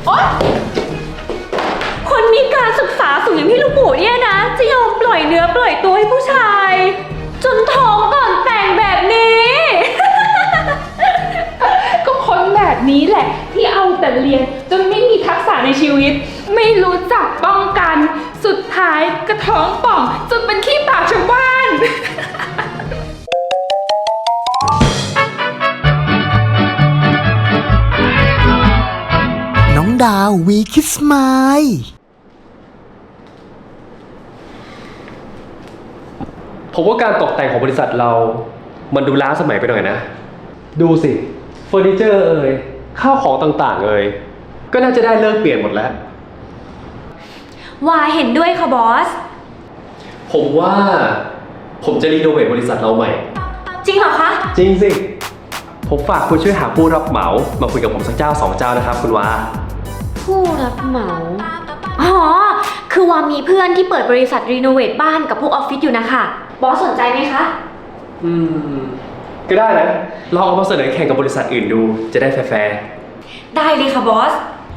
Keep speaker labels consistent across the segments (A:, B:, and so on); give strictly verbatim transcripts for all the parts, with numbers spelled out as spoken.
A: โอ๊ยคนมีการศึกษาสูงอย่างพี่ลูกหมูเนี่ยนะจะยอมปล่อยเนื้อปล่อยตัวให้ผู้ชาย จนท้องก่อนแต่งแบบนี้
B: ก็คนแบบนี้แหละที่เอาแต่เรียนจนไม่มีทักษะในชีวิตไม่รู้จักป้องกันสุดท้ายกระท้องป่องจนเป็นขี้ปากชาวบ้าน
C: น้องดาววีคิสไมล์
D: ผมว่าการตกแต่งของบริษัทเรา มันดูล้าสมัยไปหน่อยนะ ดูสิเฟอร์นิเจอร์เอ่ยข้าวของต่างๆเอ่ยก็น่าจะได้เลิกเปลี่ยนหมดแล้ว
A: ว่าเห็นด้วยค่ะบอส
D: ผมว่าผมจะรีโนเวทบริษัทเราใหม่
A: จริงเหรอคะ
D: จริงสิ ผมฝากคุณช่วยหาผู้รับเหมามาคุยกับผมสักเจ้าสองเจ้านะครับคุณวา
A: ผู้รับเหมา อ๋อ คือว่ามีเพื่อนที่เปิดบริษัทรีโนเวทบ้านกับพวกออฟฟิศอยู่นะคะบอสสนใจไหมคะ
D: อืม ก็ได้นะลองเอามาเสนอแข่งกับบริษัทอื่นดูจะได้แฟร์
A: ได้เลยค่ะบอส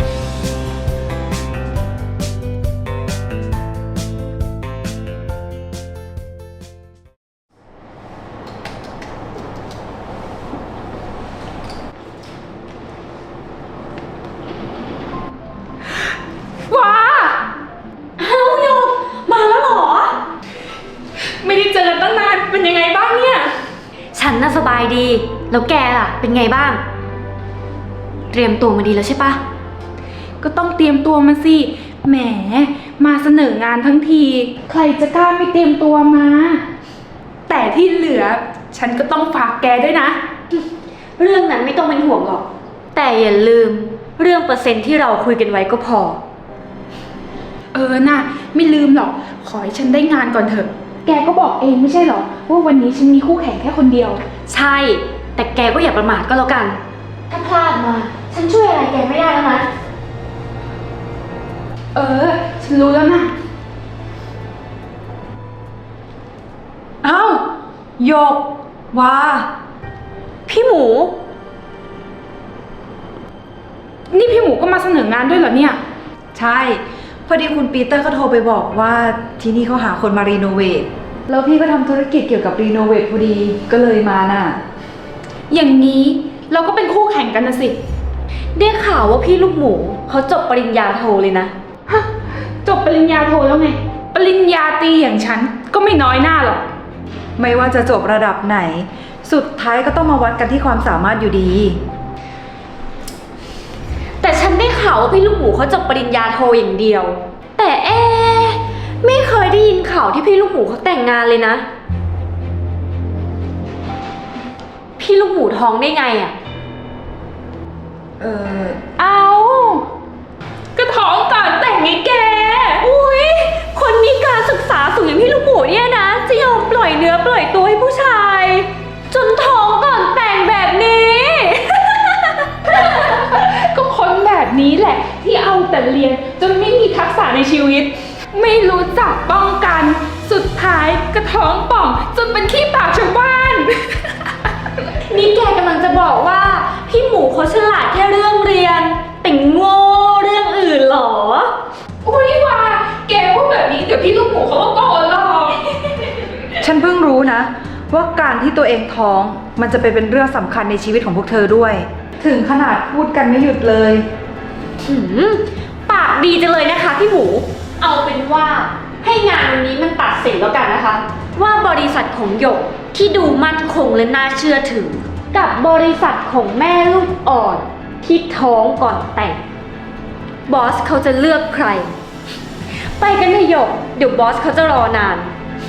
B: ว้า
A: เอ้าโยกมาแล้วเหรอ
B: ไม่ได้เจอกันตั้งนานเป็นยังไงบ้างเนี่ย
A: ฉันน่ะสบายดี แล้วแกล่ะ เป็นไงบ้าง เตรียมตัวมาดีแล้วใช่ปะ
B: ก็ต้องเตรียมตัวมาสิแหมมาเสนองานทั้งที ใครจะกล้าไม่เตรียมตัวมา แต่ที่เหลือฉันก็ต้องฝากแกด้วยนะ
A: เรื่องนั้นไม่ต้องเป็นห่วงหรอก แต่อย่าลืมเรื่องเปอร์เซ็นต์ที่เราคุยกันไว้ก็พอ
B: เออน่ะไม่ลืมหรอก ขอให้ฉันได้งานก่อนเถอะ แกก็บอกเองไม่ใช่หรอว่าวันนี้ฉันมีคู่แข่งแค่คนเดียว
A: ใช่ แต่แกก็อย่าประมาทก็แล้วกัน ถ้าพลาดมา ฉันช่วยอะไรแกไม่ได้แล้วนะ
B: เออ ฉันรู้แล้วนะ
E: เอ้าโยกว่า
A: พี่หมู
B: นี่พี่หมูก็มาเสนองานด้วยเหรอเนี่ย
E: ใช่ พอดีคุณปีเตอร์เขาโทรไปบอกว่าที่นี่เขาหาคนมารีโนเวทแล้วพี่ก็ทำธุรกิจเกี่ยวกับรีโนเวทพอดีก็เลยมาน่ะ
B: อย่างนี้เราก็เป็นคู่แข่งกันนะสิ
A: ได้ข่าวว่าพี่ลูกหมูเขาจบปริญญาโทเลยนะ
B: ฮะ จบปริญญาโทแล้วไง ปริญญาตรีอย่างฉันก็ไม่น้อยหน้าหรอก
E: ไม่ว่าจะจบระดับไหน สุดท้ายก็ต้องมาวัดกันที่ความสามารถอยู่ดี
A: แต่ฉันได้ข่าวว่าพี่ลูกหมูเขาจบปริญญาโทอย่างเดียว แต่เอ๊ะไม่เคยได้ยินข่าวที่พี่ลูกหมูเขาแต่งงานเลยนะ พี่ลูกหมูท้องได้ไงอะ
E: เออ
B: เอาก็ท้องก่อนแต่งไงแก
A: อุ้ยคนมีการศึกษาสูงอย่างพี่ลูกหมูเนี่ยนะจะยอมปล่อยเนื้อปล่อยตัวให้ผู้ชาย จนท้องก่อนแต่งแบบนี้
B: ก็คนแบบนี้แหละที่เอาแต่เรียนจนไม่มีทักษะในชีวิต ไม่รู้จักป้องกันสุดท้ายกระท้องป่องจนเป็นขี้ปากชาวบ้าน
A: นี่แกกำลังจะบอกว่าพี่หมูเขาฉลาดแค่เรื่องเรียน แต่โง่เรื่องอื่นเหรอ
B: อุ้ยว่าแกพูดแบบนี้เดี๋ยวพี่ลูกหมูเขาก็โกรธหรอก
E: ฉันเพิ่งรู้นะ ว่าการที่ตัวเองท้องมันจะไปเป็นเรื่องสำคัญในชีวิตของพวกเธอด้วย ถึงขนาดพูดกันไม่หยุดเลย
A: หืมปากดีจังเลยนะคะพี่หมู เอาเป็นว่าให้งานวันนี้มันตัดสินแล้วกันนะคะ ว่าบริษัทของหยกที่ดูมั่นคงและน่าเชื่อถือ กับบริษัทของแม่ลูกอ่อนที่ท้องก่อนแต่ง บอสเขาจะเลือกใคร ไปกันเถอะหยก เดี๋ยวบอสเขาจะรอนาน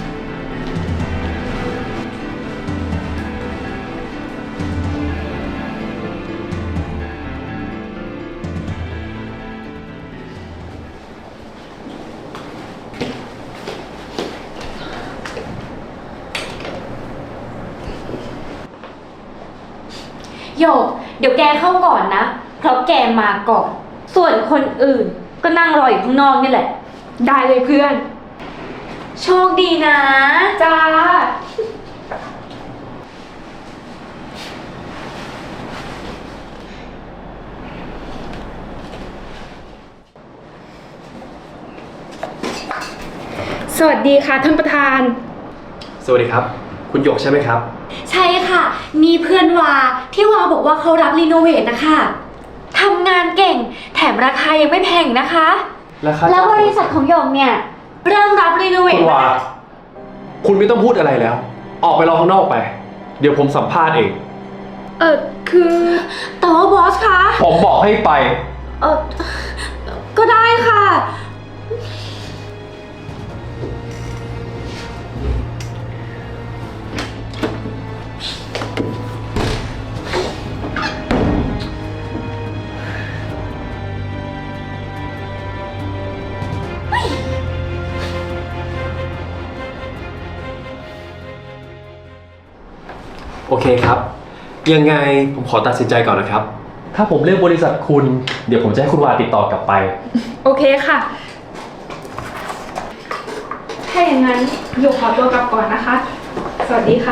A: โยก เดี๋ยวแกเข้าก่อนนะ เพราะแกมาก่อน ส่วนคนอื่นก็นั่งรออยู่ข้างนอกนี่แหละ
B: ได้เลยเพื่อน
A: โชคดีนะ
B: จ้าสวัสดีค่ะท่านประธาน
D: สวัสดีครับ คุณหยกใช่ไหมครับ
A: ใช่ค่ะ นี่เพื่อนวาที่วาบอกว่าเขารับรีโนเวทนะคะทำงานเก่งแถมราคายังไม่แพงนะคะ
D: ราคา
A: แล้วบริษัทของหยกเนี่ยเริ่มรับรีโนเว
D: คุ
A: ท
D: ณวาคุณไม่ต้องพูดอะไรแล้ว ออกไปรอข้างนอกไป เดี๋ยวผมสัมภาษณ์เอง
B: เออคือ
A: แต่ว่าบอสคะ
D: ผมบอกให้ไป
A: เออก็ได้ค่ะ
D: โอเคครับ ยังไงผมขอตัดสินใจก่อนนะครับ ถ้าผมเลือกบริษัทคุณ เดี๋ยวผมจะให้คุณวาติดต่อกลับไป
B: โอเคค่ะ ถ้าอย่างนั้นหยกขอตัวกลับก่อนนะคะ สวัสดีค่ะ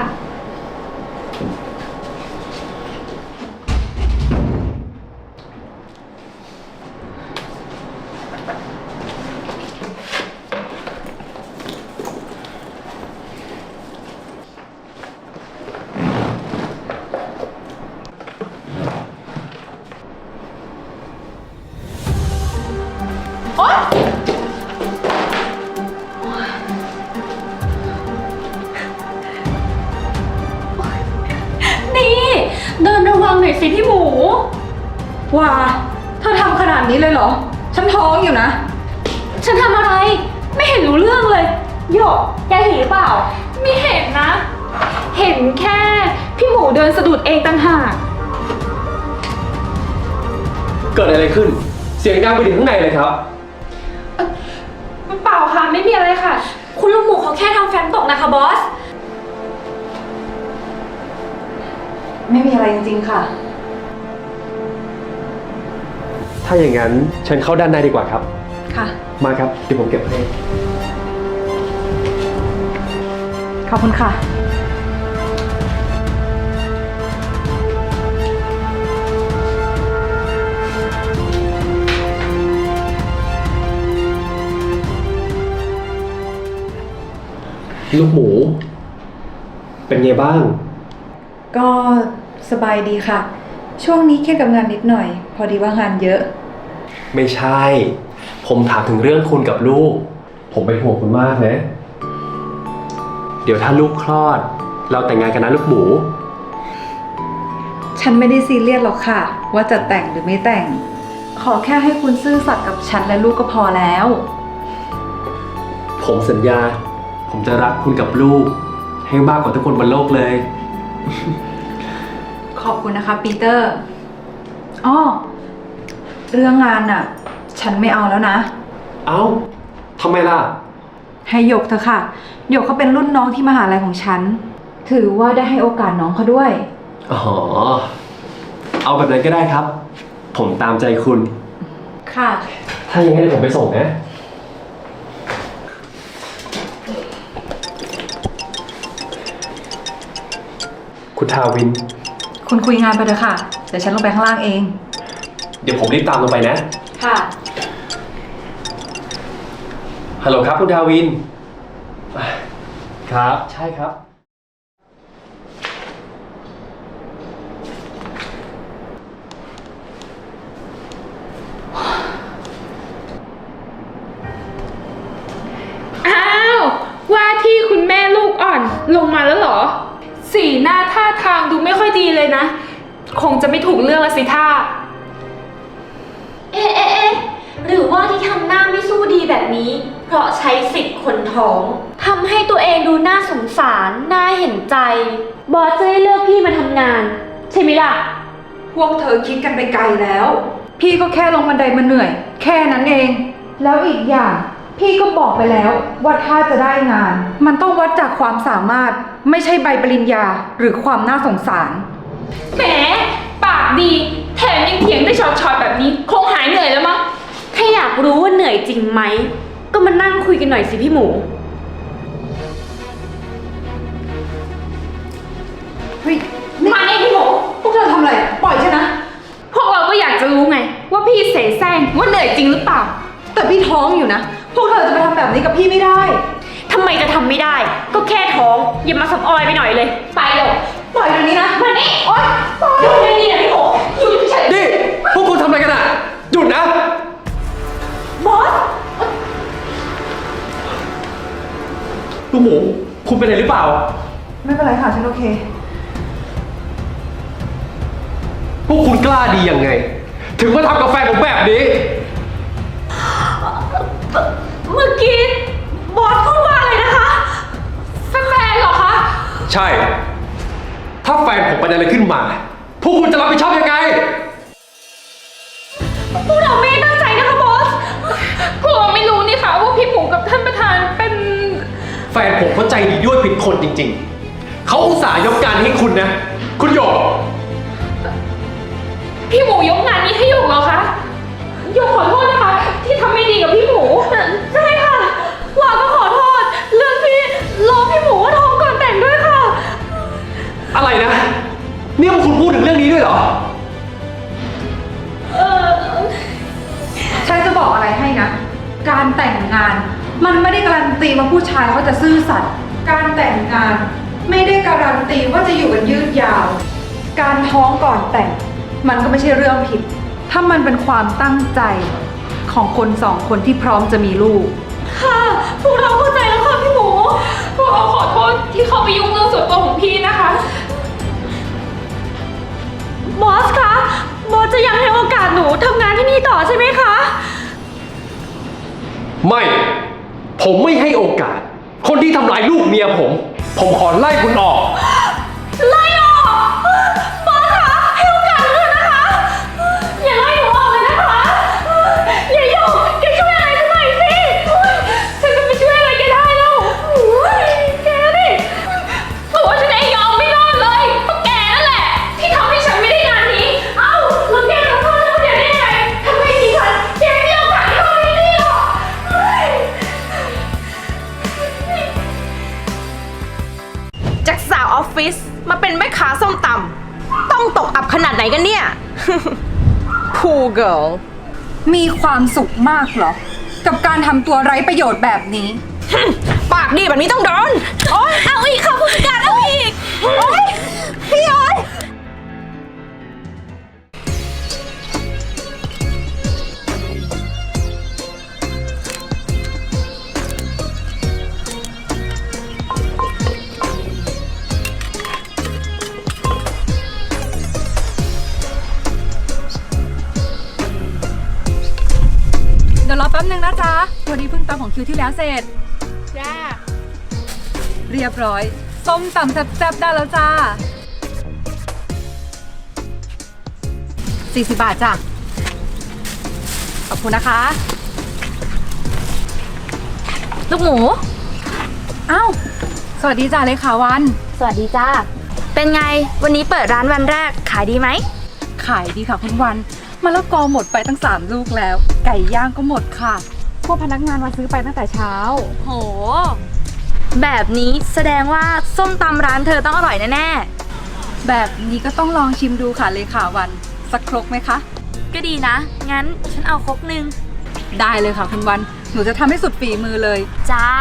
A: นี่เดินระวังหน่อยสิพี่หมู
E: ว่าเธอทำขนาดนี้เลยเหรอ ฉันท้องอยู่นะ
A: ฉันทำอะไร ไม่เห็นรู้เรื่องเลยหยกแกเห็นหรือเปล่า
B: ไม่เห็นนะ เห็นแค่พี่หมูเดินสะดุดเองต่างหาก
D: เกิดอะไรขึ้น เสียงดังไปถึงข้างในเลยครับ
B: เปล่าค่ะ ไม่มีอะไรค่ะ
A: คุณลูกหมูเขาแค่ทำแฟ้มตกนะคะบอส
E: ไม่มีอะไรจริงๆค่ะ
D: ถ้าอย่างนั้นเชิญเข้าด้านในดีกว่าครับ
E: ค่ะ
D: มาครับ เดี๋ยวผมเก็บให้
E: ขอบคุณค่ะ
D: ลูกหมู เป็นไงบ้าง
E: ก็สบายดีค่ะ ช่วงนี้เครียดกับงานนิดหน่อย พอดีว่างานเยอะ
D: ไม่ใช่ ผมถามถึงเรื่องคุณกับลูก ผมเป็นห่วงคุณมากนะ เดี๋ยวถ้าลูกคลอด เราแต่งงานกันนะลูกหมู
E: ฉันไม่ได้ซีเรียสหรอกค่ะ ว่าจะแต่งหรือไม่แต่ง ขอแค่ให้คุณซื่อสัตย์กับฉันและลูกก็พอแล้ว
D: ผมสัญญา ผมจะรักคุณกับลูก ให้มากกว่าทุกคนบนโลกเลย
E: ขอบคุณนะคะปีเตอร์อ้อเรื่องงานน่ะ ฉันไม่เอาแล้วนะ
D: เอ้าทำไมล่ะ
E: ให้หยกเถอะค่ะหยกเขาเป็นรุ่นน้องที่มหาลัยของฉัน ถือว่าได้ให้โอกาสน้องเขาด้วย
D: อ๋อ เอาแบบนั้นก็ได้ครับ ผมตามใจคุณ
E: ค่ะ
D: ถ้าอย่างนั้นเดี๋ยวผมไปส่งนะ คุณทาวิน
E: คุณคุยงานไปเถอะค่ะ เดี๋ยวฉันลงไปข้างล่างเอง
D: เดี๋ยวผมรีบตามลงไปนะ
E: ค่ะ
D: ฮัลโหลครับคุณทาวิน ครับ ใช่ครับ
B: อ้าว ว่าที่คุณแม่ลูกอ่อนลงมาแล้วเหรอ สีหน้าท่าทางดูไม่ค่อยดีเลยนะ คงจะไม่ถูกเรื่องละสิท่า
A: เอ๊ะเอ๊ะเอ๊ะหรือว่าที่ทำหน้าไม่สู้ดีแบบนี้ เพราะใช้สิทธิ์คนท้องทำให้ตัวเองดูน่าสงสาร น่าเห็นใจ บอสจะได้เลือกพี่มาทำงาน ใช่ไหมล่ะ
E: พวกเธอคิดกันไปไกลแล้ว พี่ก็แค่ลงบันไดมาเหนื่อย แค่นั้นเอง แล้วอีกอย่าง พี่ก็บอกไปแล้วว่าถ้าจะได้งาน มันต้องวัดจากความสามารถ ไม่ใช่ใบปริญญาหรือความน่าสงสาร
B: แหม ปากดี แถมยังเถียงได้ช็อตๆแบบนี้ คงหายเหนื่อยแล้วมั้ง
A: ถ้าอยากรู้ว่าเหนื่อยจริงไหม ก็มานั่งคุยกันหน่อยสิพี่หมู
E: เฮ้ยนี่
B: มานี่พี่หมู
E: พวกเธอทำอะไร ปล่อยฉันนะ
B: พวกเราก็อยากจะรู้ไง ว่าพี่เสแสร้งว่าเหนื่อยจริงหรือเปล่า
E: แต่พี่ท้องอยู่นะ พวกเธอจะไปทำแบบนี้กับพี่ไม่ได้
A: ทำไมจะทำไม่ได้ ก็แค่ท้องอย่ามาสำออยไปหน่อยเลย ไปเลย
E: ปล่อยเดี๋ยวนี้นะ
A: มานี่โอ๊ยหยุดเลยนี่นะพี่โหหยุดเฉย
D: นี่ พวกคุณทำอะไรกันอ่ะ หยุดนะ
A: บอส
D: ลูกหมู คุณเป็นอะไรหรือเปล่า
E: ไม่เป็นไรค่ะ ฉันโอเค
D: พวกคุณกล้าดียังไง ถึงมาทำกับแฟนผมแบบนี้
A: เมื่อกี้บอสพูดว่าอะไรนะคะแฟนๆเหรอคะ
D: ใช่ ถ้าแฟนผมเป็นอะไรขึ้นมา พวกคุณจะรับผิดชอบยังไง
A: พวกเราไม่ได้ตั้งใจนะคะบอส
B: พวกเราไม่รู้นี่ค่ะว่าพี่หมูกับท่านประธานเป็น
D: แฟนผมเขาใจดีด้วยผิดคนจริงๆ เขาอุตส่าห์ยกการให้คุณนะ คุณหยก
B: พี่หมูยกงานนี้ให้หยกเหรอคะหยกขอโทษนะคะ ที่ทำไม่ดีกับพี่หมู
A: ใช่ค่ะวาก็ขอโทษ เรื่องที่ล้อพี่หมูว่าท้องก่อนแต่งด้วยค่ะ
D: อะไรนะ นี่พวกคุณพูดถึงเรื่องนี้ด้วยเหรอ
A: เออ
E: ฉันจะบอกอะไรให้นะ การแต่งงาน มันไม่ได้การันตีว่าผู้ชายเขาจะซื่อสัตย์ การแต่งงาน ไม่ได้การันตีว่าจะอยู่กันยืดยาว การท้องก่อนแต่ง มันก็ไม่ใช่เรื่องผิด ถ้ามันเป็นความตั้งใจของคนสองคนที่พร้อมจะมีลูก
A: ค่ะพวกเราเข้าใจแล้วค่ะพี่หมู
B: พวกเราขอโทษที่เขาไปยุ่งเรื่องส่วนตัวของพี่นะคะ
A: บอสคะ บอสจะยังให้โอกาสหนูทำงานที่นี่ต่อใช่ไหมคะ
D: ไม่ ผมไม่ให้โอกาส คนที่ทำลายลูกเมียผม ผมขอไล่คุณออก
A: ไล่ออก บอสคะให้โอกาสหนูเถอะนะคะ อย่าไล่หนูออกเลยนะคะ อย่าหยกแกช่วยอะไรฉันหน่อยสิ
B: ฉันจะไปช่วยอะไรแกได้แล้ว
A: โอ้ยแกนี่
B: ตัวฉันเองยอมไม่รอดเลยเพราะแกนั่นแหละ ที่ทำให้ฉันไม่ได้งานนี้
A: เอ้าแล้วแกจะโทษฉันคนเดียวได้ยังไงทำไมดิฉันแกไม่มีโอกาสที่ทำให้ดีหรอกเฮ้ย
F: จากสาวออฟฟิศมาเป็นแม่ค้าส้มตำต้องตกอับขนาดไหนกันเนี่ย Poor girl
E: มีความสุขมากเหรอ กับการทำตัวไร้ประโยชน์แบบนี้
F: ปากดีแบบนี้ต้องโดนโอ๊ยเอาอีกค่ะผู้จัดการเอาอีก โอ๊ยพี่โอ๊ย
E: เดี๋ยวรอแป๊บนึงนะจ๊ะ วันนี้เพิ่งตำของคิวที่แล้วเสร็จ
B: จ้า
E: เรียบร้อย ส้มตำแซ่บๆได้แล้วจ้า สี่สิบบาทจ้ะ ขอบคุณนะคะ
G: ลูกหมู
E: อ้าว สวัสดีจ้าเลขาวัน
G: สวัสดีจ้า เป็นไง วันนี้เปิดร้านวันแรก ขายดีไหม
E: ขายดีค่ะคุณวันมะละกอหมดไปตั้งสามลูกแล้ว ไก่ย่างก็หมดค่ะ พวกพนักงานมาซื้อไปตั้งแต่เช้า
G: โห แบบนี้แสดงว่าส้มตำร้านเธอต้องอร่อยแน่
E: แบบนี้ก็ต้องลองชิมดูค่ะเลขาวัน สักครกไหมคะ
G: ๆ ก็ดีนะ งั้นฉันเอาครกหนึ่ง
E: ได้เลยค่ะคุณวัน หนูจะทำให้สุดฝีมือเลย
G: จ้า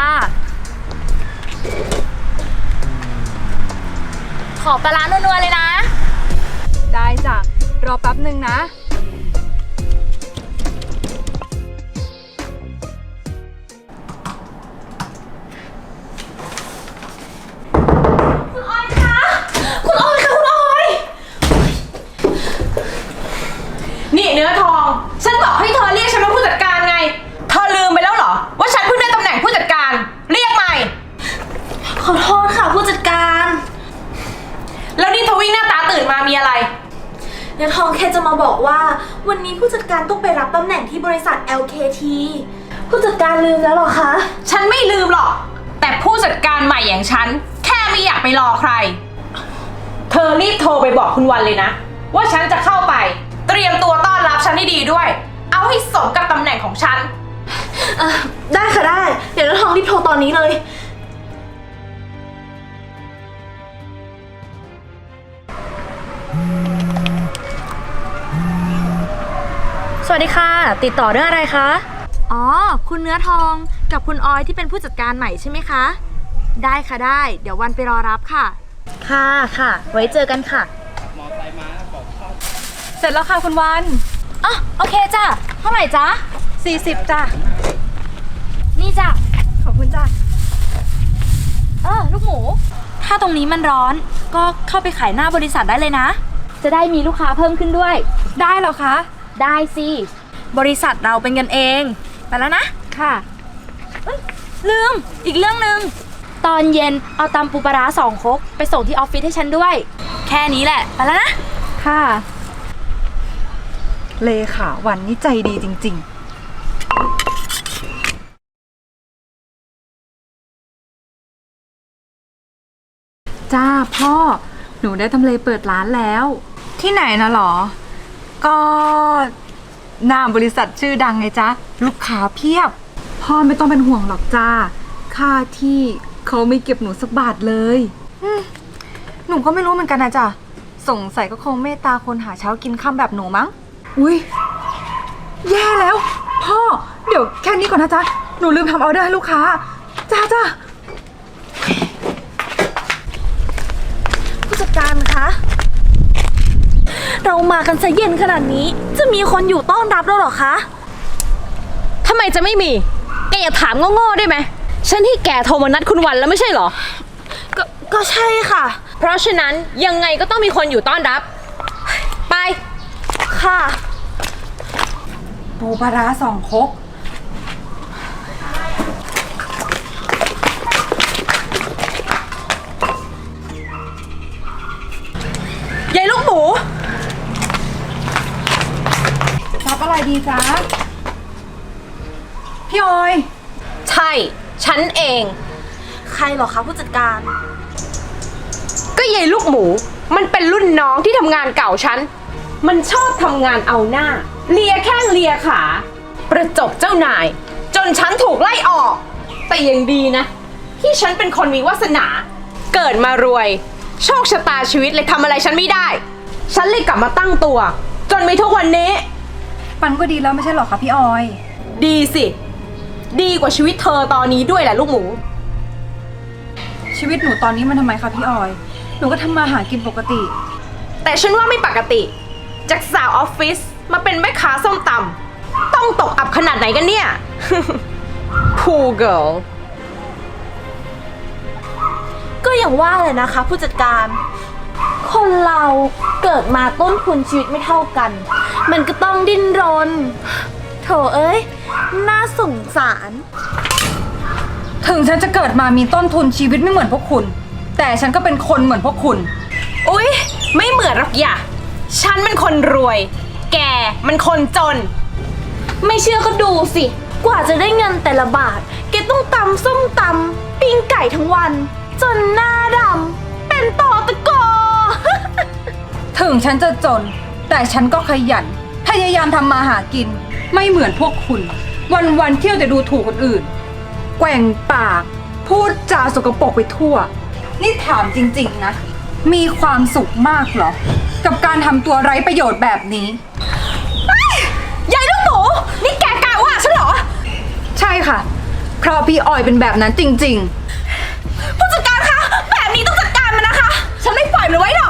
G: ขอปลาร้านัวๆเลยนะ
E: ได้จ้ะ รอแป๊บหนึ่งนะ
A: คุณออยคะคุณออยคะคุณออย
F: นี่เนื้อทอง ฉันบอกให้เธอเรียกฉันว่าผู้จัดการไง เธอลืมไปแล้วเหรอ ว่าฉันเพิ่งได้ตำแหน่งผู้จัดการ เรียกใหม่
A: ขอโทษค่ะผู้จัดการ
F: แล้วนี่ทวิ่งหน้าตาตื่นมามีอะไร
H: เนื้อทองแค่จะมาบอกว่าวันนี้ผู้จัดการต้องไปรับตำแหน่งที่บริษัท แอล เค ที ผู้จัดการลืมแล้วเหรอคะ
F: ฉันไม่ลืมหรอก แต่ผู้จัดการใหม่อย่างฉัน แค่ไม่อยากไปรอใคร เธอรีบโทรไปบอกคุณวันเลยนะ ว่าฉันจะเข้าไป เตรียมตัวต้อนรับฉันให้ดีด้วย เอาให้สมกับตำแหน่งของฉัน
H: เอ่อได้ค่ะได้ เดี๋ยวเนื้อทองรีบโทรตอนนี้เลย
G: สวัสดีค่ะ ติดต่อเรื่องอะไรคะ อ๋อ คุณเนื้อทองกับคุณออยที่เป็นผู้จัดการใหม่ใช่ไหมคะ ได้ค่ะได้ เดี๋ยววันไปรอรับค่ะ ค่ะค่ะ ไว้เจอกันค่ะ
E: เสร็จแล้วค่ะคุณวัน
G: อ๋อโอเคจ้ะ เท่าไหร่จ๊ะ
E: สี่สิบจ้ะ
G: นี่จ้ะ
E: ขอบคุณจ้ะ
G: เออลูกหมู ถ้าตรงนี้มันร้อน ก็เข้าไปขายหน้าบริษัทได้เลยนะ จะได้มีลูกค้าเพิ่มขึ้นด้วย
E: ได้เหรอคะ
G: ได้สิ บริษัทเราเป็นกันเอง ไปแล้วนะ
E: ค่ะ
G: เอ้ยลืม อีกเรื่องหนึ่ง ตอนเย็นเอาตำปูปลาร้าสองครกไปส่งที่ออฟฟิศให้ฉันด้วย แค่นี้แหละ ไปแล้วนะ
E: ค่ะ เลขาวันนี่ใจดีจริง ๆ จ้าพ่อ หนูได้ทำเลเปิดร้านแล้ว ที่ไหนนะหรอ ก็หน้าบริษัทชื่อดังไงจ๊ะ ลูกค้าเพียบ พ่อไม่ต้องเป็นห่วงหรอกจ้า ค่าที่เขาไม่เก็บหนูสักบาทเลยหนูก็ไม่รู้เหมือนกันนะจ๊ะ สงสัยก็คงเมตตาคนหาเช้ากินค่ำแบบหนูมั้ง อุ้ยแย่แล้ว พ่อ เดี๋ยวแค่นี้ก่อนนะจ๊ะ หนูลืมทำออเดอร์ให้ลูกค้า จ้าจ้า
H: ผู้จัดการคะ เรามากันซะเย็นขนาดนี้ จะมีคนอยู่ต้อนรับเราเหรอคะ
F: ทำไมจะไม่มี แกอย่าถามโง่ๆได้ไหม ฉันที่แกโทรมานัดคุณวันแล้วไม่ใช่เหรอ
H: ก็ก็ใช่ค่ะ
F: เพราะฉะนั้นยังไงก็ต้องมีคนอยู่ต้อนรับ ไป
H: ค่ะ
E: ปูปลาร้าสองครก
F: ยายลูกหมู
E: รับอะไรดีจ๊ะ พี่ออย
F: ใช่ ฉันเอง
H: ใครเหรอคะผู้จัดการ
F: ก็ยายลูกหมู มันเป็นรุ่นน้องที่ทำงานเก่าฉัน มันชอบทำงานเอาหน้า เลียแข้งเลียขา ประจบเจ้านาย จนฉันถูกไล่ออก แต่ยังดีนะ ที่ฉันเป็นคนมีวาสนา เกิดมารวย โชคชะตาชีวิตเลยทำอะไรฉันไม่ได้ ฉันเลยกลับมาตั้งตัว จนมีทุกวันนี้
E: มันก็ดีแล้วไม่ใช่หรอคะพี่ออย
F: ดีสิ ดีกว่าชีวิตเธอตอนนี้ด้วยแหละลูกหมู
E: ชีวิตหนูตอนนี้มันทำไมคะพี่ออย หนูก็ทำมาหากินปกติ
F: แต่ฉันว่าไม่ปกติ จากสาวออฟฟิศมาเป็นแม่ค้าส้มตำต้องตกอับขนาดไหนกันเนี่ย Poor girl
H: ก็อย่างว่าเลยนะคะผู้จัดการ คนเราเกิดมาต้นทุนชีวิตไม่เท่ากัน มันก็ต้องดิ้นรน โถเอ้ย น่าสงสาร
E: ถึงฉันจะเกิดมามีต้นทุนชีวิตไม่เหมือนพวกคุณ แต่ฉันก็เป็นคนเหมือนพวกคุณ
F: อุ๊ย ไม่เหมือนหรอกอย่าฉันมันคนรวย แกมันคนจน
H: ไม่เชื่อก็ดูสิ กว่าจะได้เงินแต่ละบาท แกต้องตำส้มตำปิ้งไก่ทั้งวัน จนหน้าดำเป็นตอตะกอ
E: ถึงฉันจะจน แต่ฉันก็ขยัน พยายามทำมาหากิน ไม่เหมือนพวกคุณ วันๆเที่ยวแต่ดูถูกคนอื่น แกว่งปาก พูดจาสกปรกไปทั่ว นี่ถามจริงๆนะ มีความสุขมากเหรอ กับการทำตัวไร้ประโยชน์แบบนี้
F: ยายลูกหมู นี่แกกล้าว่าฉันเหรอ
E: ใช่ค่ะ เพราะพี่ออยเป็นแบบนั้นจริง
F: ผู้จัดการคะ แบบนี้ต้องจัดการมันนะคะ ฉันไม่ปล่อยมันไว้หรอก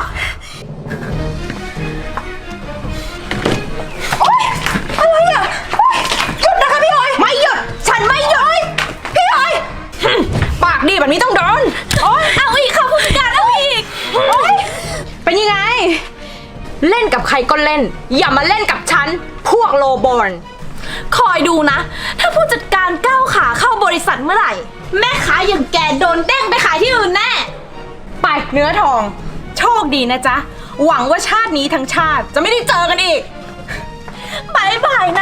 F: โอ๊ยอะไรอ่ะโอ๊ยหยุดนะคะพี่ออย ไม่หยุด ฉันไม่หยุด พี่ออยหึ่มปากดีแบบนี้ต้องโดนโอ๊ยเอาอีกค่ะผู้จัดการเอาอีกโอ๊ยเป็นยังไง เล่นกับใครก็เล่น อย่ามาเล่นกับฉัน พวกโลบอล
H: คอยดูนะ ถ้าผู้จัดการก้าวขาเข้าบริษัทเมื่อไหร่ แม่ค้าอย่างแกโดนเด้งไปขายที่อื่นแน่
F: ไปเนื้อทอง โชคดีนะจ๊ะ หวังว่าชาตินี้ทั้งชาติจะไม่ได้เจอกันอีก
H: บายบายนะ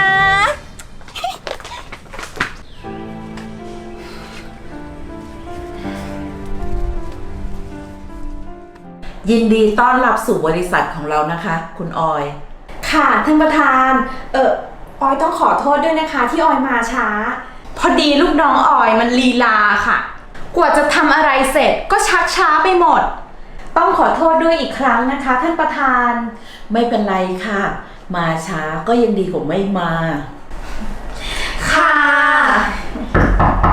I: ยินดีต้อนรับสู่บริษัทของเรานะคะ คุณออย
A: ค่ะท่านประธาน เออออยต้องขอโทษด้วยนะคะที่ออยมาช้า พอดีลูกน้องออยมันลีลาค่ะ กว่าจะทำอะไรเสร็จก็ชักช้าไปหมด ต้องขอโทษด้วยอีกครั้งนะคะท่านประธาน
I: ไม่เป็นไรค่ะ มาช้าก็ยังดีกว่าไม่มา
A: ค่ะ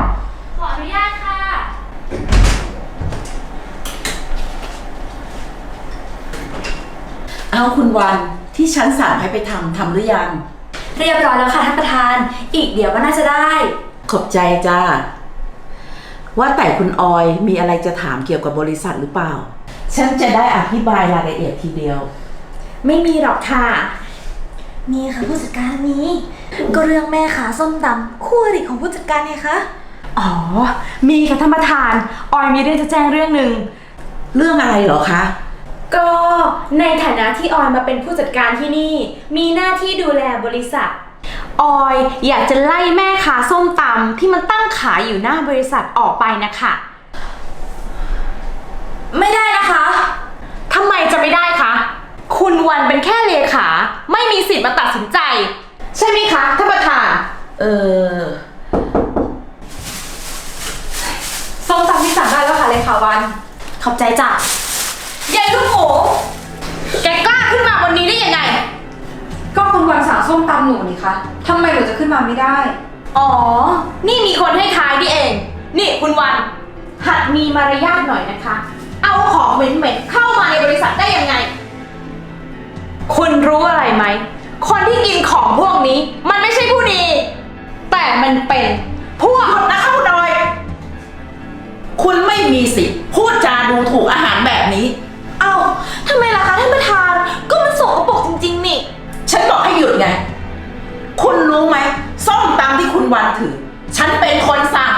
I: เอาคุณวันที่ฉันสั่งให้ไปทำทำหรือยัง
G: เรียบร้อยแล้วค่ะท่านประธาน อีกเดี๋ยวก็น่าจะได้
I: ขอบใจจ้าว่าแต่คุณออยมีอะไรจะถามเกี่ยวกับบริษัทหรือเปล่า ฉันจะได้อธิบายรายละเอียดทีเดียว
H: ไม่มีหรอกค่ะ มีค่ะผู้จัดการนี้ ก็เรื่องแม่ขาส้มตำคู่อริของผู้จัดการไงคะ
F: อ๋อ มีค่ะท่านประธาน ออยมีเรื่องจะแจ้งเรื่องหนึ่ง
I: เรื่องอะไรเหรอคะ
G: ก็ในฐานะที่ออยมาเป็นผู้จัดการที่นี่ มีหน้าที่ดูแลบริษัท
F: ออยอยากจะไล่แม่ค้าส้มตำที่มันตั้งขายอยู่หน้าบริษัทออกไปนะคะ
G: ไม่ได้นะคะ
F: ทำไมจะไม่ได้คะ คุณวันเป็นแค่เลขา ไม่มีสิทธิ์มาตัดสินใจ ใช่ไหมคะท่านประธาน
I: เออ
B: ส้มตำที่สั่งได้แล้วค่ะเลยค่ะวัน
G: ขอบใจจ้ะ
F: ยายลูกหมูแกกล้าขึ้นมาวันนี้ได้ยังไง
B: ก็คุณวันสั่งส้มตำหนูนี่คะทำไมหนูจะขึ้นมาไม่ได้
F: อ๋อ นี่มีคนให้ท้ายนี่เอง นี่คุณวัน หัดมีมารยาทหน่อยนะคะ เอาของเหม็นๆเข้ามาในบริษัทได้ยังไง คุณรู้อะไรไหม คนที่กินของพวกนี้ มันไม่ใช่ผู้ดี แต่มันเป็นพวก
I: หยุดนะคะคุณออย คุณไม่มีสิทธิ์พูดจาดูถูกอาหารแบบนี้
H: เอ้าทำไมล่ะคะท่านประธาน ก็มันสกปรกจริงๆนี่
I: ฉันบอกให้หยุดไง คุณรู้ไหมส้มตำที่คุณวันถือ ฉันเป็นคนสั่ง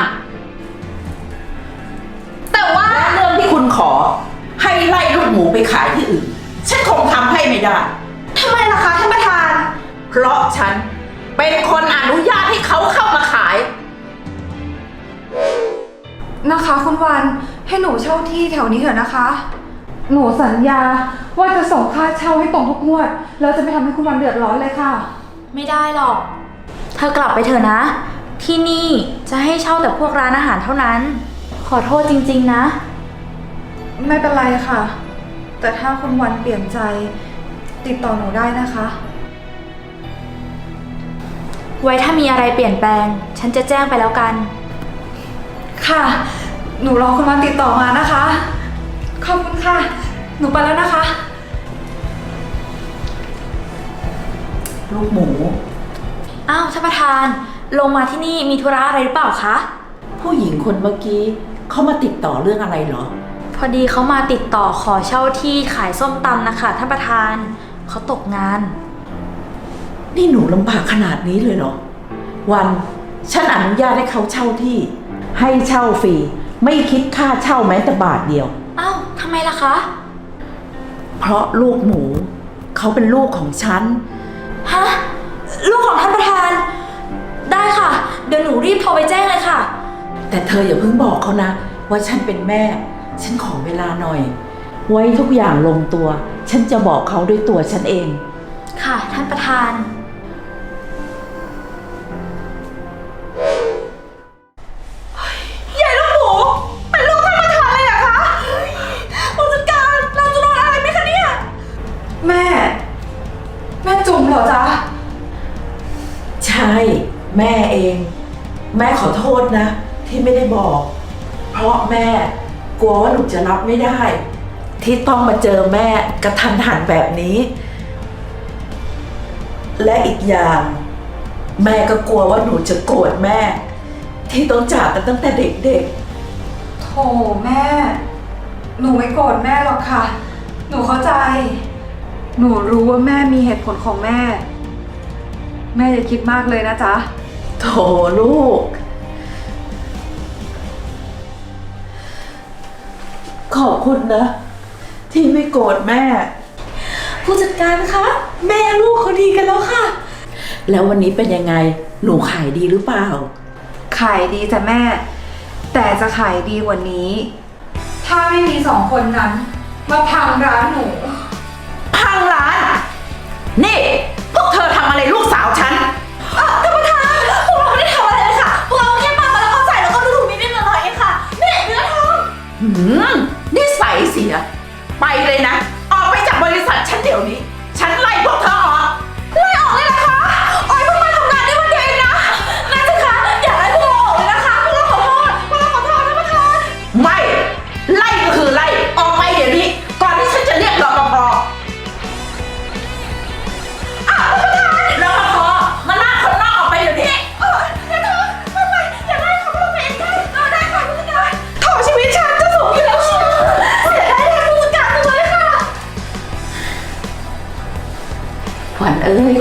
F: แต่ว่า
I: และเรื่องที่คุณขอ ให้ไล่ลูกหมูไปขายที่อื่น ฉันคงทำให้ไม่ได้
H: ทำไมล่ะคะท่านประธาน
I: เพราะฉันเป็นคนอนุญาตให้เขาเข้ามาขาย
E: นะคะคุณวันให้หนูเช่าที่แถวนี้เถอะนะคะ หนูสัญญาว่าจะส่งค่าเช่าให้ตรงทุกงวดแล้วจะไม่ทำให้คุณวันเดือดร้อนเลยค่ะ
G: ไม่ได้หรอก เธอกลับไปเถอะนะ ที่นี่จะให้เช่าแต่พวกร้านอาหารเท่านั้น ขอโทษจริงๆนะ
E: ไม่เป็นไรค่ะ แต่ถ้าคุณวันเปลี่ยนใจติดต่อหนูได้นะคะ
G: ไว้ถ้ามีอะไรเปลี่ยนแปลง ฉันจะแจ้งไปแล้วกัน
E: ค่ะ หนูรอคุณวันติดต่อมานะคะ ขอบคุณค่ะ หนูไปแล้วนะคะ
I: ลูกหมู
G: อ้าวท่านประธาน ลงมาที่นี่มีธุระอะไรหรือเปล่าคะ
I: ผู้หญิงคนเมื่อกี้เขามาติดต่อเรื่องอะไรเหรอ
G: พอดีเขามาติดต่อขอเช่าที่ขายส้มตำนะคะท่านประธาน เขาตกงาน
I: นี่หนูลำบากขนาดนี้เลยเหรอ วันฉันอนุญาตให้เขาเช่าที่ ให้เช่าฟรีไม่คิดค่าเช่าแม้แต่บาทเดียว
G: อ้าวทำไมล่ะคะ
I: เพราะลูกหมู เขาเป็นลูกของฉัน
G: ฮะ ลูกของท่านประธาน ได้ค่ะ เดี๋ยวหนูรีบโทรไปแจ้งเลยค่ะ
I: แต่เธออย่าเพิ่งบอกเขานะ ว่าฉันเป็นแม่ ฉันขอเวลาหน่อย ไว้ทุกอย่างลงตัว ฉันจะบอกเขาด้วยตัวฉันเอง
G: ค่ะท่านประธาน
F: ยายลูกหมู เป็นลูกท่านประธานเลยเหรอคะผู้จัดการ เราจะโดนอะไรไหมคะเนี่ย
E: แม่ แม่จุ๋มเหรอจ๊ะ
I: ใช่ แม่เอง แม่ขอโทษนะ ที่ไม่ได้บอก เพราะแม่กลัวว่าหนูจะรับไม่ได้ ที่ต้องมาเจอแม่กระทันหันแบบนี้ และอีกอย่าง แม่ก็กลัวว่าหนูจะโกรธแม่ ที่ต้องจากกันตั้งแต่เด็ก
E: โถแม่ หนูไม่โกรธแม่หรอกค่ะ หนูเข้าใจ หนูรู้ว่าแม่มีเหตุผลของแม่ แม่อย่าคิดมากเลยนะจ๊ะ
I: ๆโถลูก ขอบคุณนะ ที่ไม่โกรธแม่
H: ผู้จัดการคะ แม่ลูกเขาดีกันแล้วค่ะ
I: แล้ววันนี้เป็นยังไง หนูขายดีหรือเปล่า
E: ขายดีจ้ะแม่ แต่จะขายดีกว่านี้ ถ้าไม่มีสองคนนั้น มาพังร้านหนู
I: พังร้าน นี่ พวกเธอทำอะไรลูกสาวฉัน
H: ท่านประธาน พวกเราไม่ได้ทำอะไรเลยค่ะ พวกเราแค่ปามาแล้วก็ใส่แล้วก็ดูถูกนิดๆหน่อยๆเองค่ะไม่ได้เนื้อทอง
I: หืมนิสัยเสีย ไปเลยนะ ออกไปจากบริษัทฉันเดี๋ยวนี้ ฉันไล่พวกเธอออก
H: ไล่ออกเลยนะคะออยเพิ่งมาทำงานได้วันเดียวเองนะนายสิคะอย่าไล่พวกเราออกเลยนะคะพวกเราขอโทษพวกเราขอโทษท่านประธาน
I: ไม่ ไล่ก็คือไล่ ออกไปเดี๋ยวนี้ ก่อนที่ฉันจะเรียกรปภ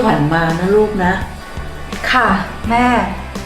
I: ขวัญมานะลูกนะ
E: ค่ะ แม่